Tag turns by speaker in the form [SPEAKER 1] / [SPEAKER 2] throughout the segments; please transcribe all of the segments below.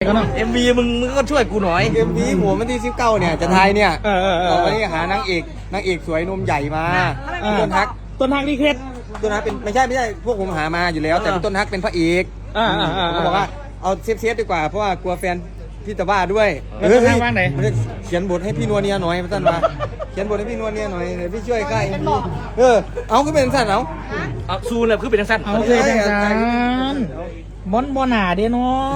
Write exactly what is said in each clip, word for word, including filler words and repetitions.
[SPEAKER 1] ก็ต้อง
[SPEAKER 2] เอ็มวีมึงมึงก็ช่วยกูหน่อย
[SPEAKER 3] เอ็มวีผมวันที่สิบเก้าเนี่ยจะทายเนี่ย
[SPEAKER 1] เออเออเออ
[SPEAKER 3] วันนี้หานางเอกนางเอกสวยนมใหญ่มา
[SPEAKER 1] เออ
[SPEAKER 3] ต้นฮัก
[SPEAKER 1] ต้นฮักนี่เคล็ด
[SPEAKER 3] ต้นฮักเป็นไม่ใช่ไม่ใช่พวกผมหามาอยู่แล้ว แต่เป็นต้นฮักเป็นพระเอก
[SPEAKER 1] อ่าอ่าอ่า
[SPEAKER 3] ผมบอกว่าเอาเซฟเซฟดีกว่าเพราะว่ากลัวแฟนพี่ตะบ้าด้วย
[SPEAKER 1] แล้วต้นฮักว่างไหน
[SPEAKER 3] เฮ้ยเขียนบทให้พี่นัวเนียหน่อยท่านมาเขียนบทให้พี่นัวเนียหน่อยเดี๋ยวพี่ช่วยค่ายเออเอาก็เป็นสั้นเอา
[SPEAKER 2] เอาซูนเลยคือเป็นทั้งสั้น
[SPEAKER 1] เอาเคยจังสันบอนบอหนาเด้น้อง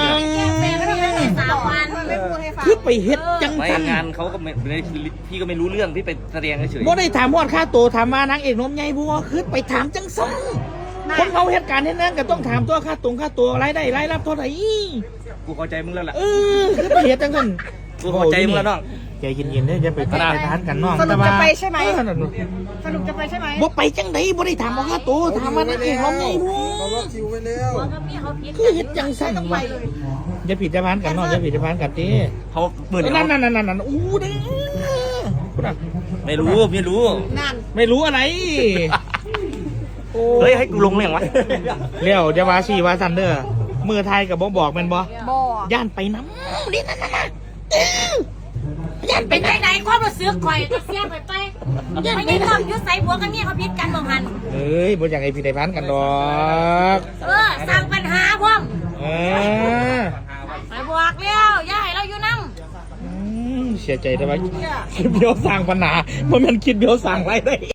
[SPEAKER 1] คือไปเฮ็ดจัง
[SPEAKER 2] ไม่
[SPEAKER 1] สัน
[SPEAKER 2] งานเขาก็ไม่พี่ก็ไม่รู้เรื่องพี่ไปแสดงเฉย
[SPEAKER 1] บ่ได้ถามวอดค่าตัวถามว่านางเอกนมใหญ่บัวคือไปถามจังสันคนเขาเหตุการณ์เฮ็ดนั้นก็ต้องถามตัวค่าตรงค่าตัวรายได้รายรับเท่าไหร่
[SPEAKER 2] กูเข้าใจมึงแล้วล่ะ
[SPEAKER 1] เออคือไปเฮ็ดจังสัน
[SPEAKER 2] กูเข้าใจมึงแล้วน้อง
[SPEAKER 1] ใจเย็นๆเด้ออย่าไปพลาดทานกันน้อง
[SPEAKER 4] สรุปจะไปใช่ไหม
[SPEAKER 1] เออ
[SPEAKER 4] สรุปจะไปใช่ไหม
[SPEAKER 1] บ่ไปจังไดบ่ได้ถามว่าค่าตัวถามว่านางเอกนมใหญ่บัว
[SPEAKER 3] เขาล็อกคิวไว้แล้ว
[SPEAKER 1] คือเฮ็ดจังสั่นวะอย่าผิดจะพานกันเนาะอย่าผิดจะพานกันดิ
[SPEAKER 2] เขาหมื่น
[SPEAKER 1] นั่นนั่นนั่นนั่นนั่นอู้เด้คุณอ่ะ
[SPEAKER 2] ไม่รู้ไม่รู้
[SPEAKER 4] นั่น
[SPEAKER 1] ไม่รู้อะไรโอ้
[SPEAKER 2] เฮ้ยให้กูลงเรื่องวะ
[SPEAKER 1] เลี้ยวจะว่าสี่ว่าซันเด้อมือไทยกับบ่บอกแม่นบ่
[SPEAKER 4] บ่
[SPEAKER 1] ย่านไปน้ำนี่นั่นน่ะเออย่านไป
[SPEAKER 5] เป็น
[SPEAKER 1] น้
[SPEAKER 5] ไหนๆความรู้สึกข่อยก็เสียไปไปไม่ได้ทำยุดใส่หัวกันเนี่ยเขาพิษกันบ่หัน
[SPEAKER 1] ำเอ้ยบ่อยากให้ผิดได้พานกันดอก
[SPEAKER 5] เออสร้างปัญหาพร้อม
[SPEAKER 1] เออ
[SPEAKER 5] ไปบอกแล้วอย่าให้เราอยู่น้ำ
[SPEAKER 1] อืมเสียใจได้ไหมคิดเบี้ยวสร้างปัญหาบ่แม่นคิดเบี้ยวสร้างไรายได้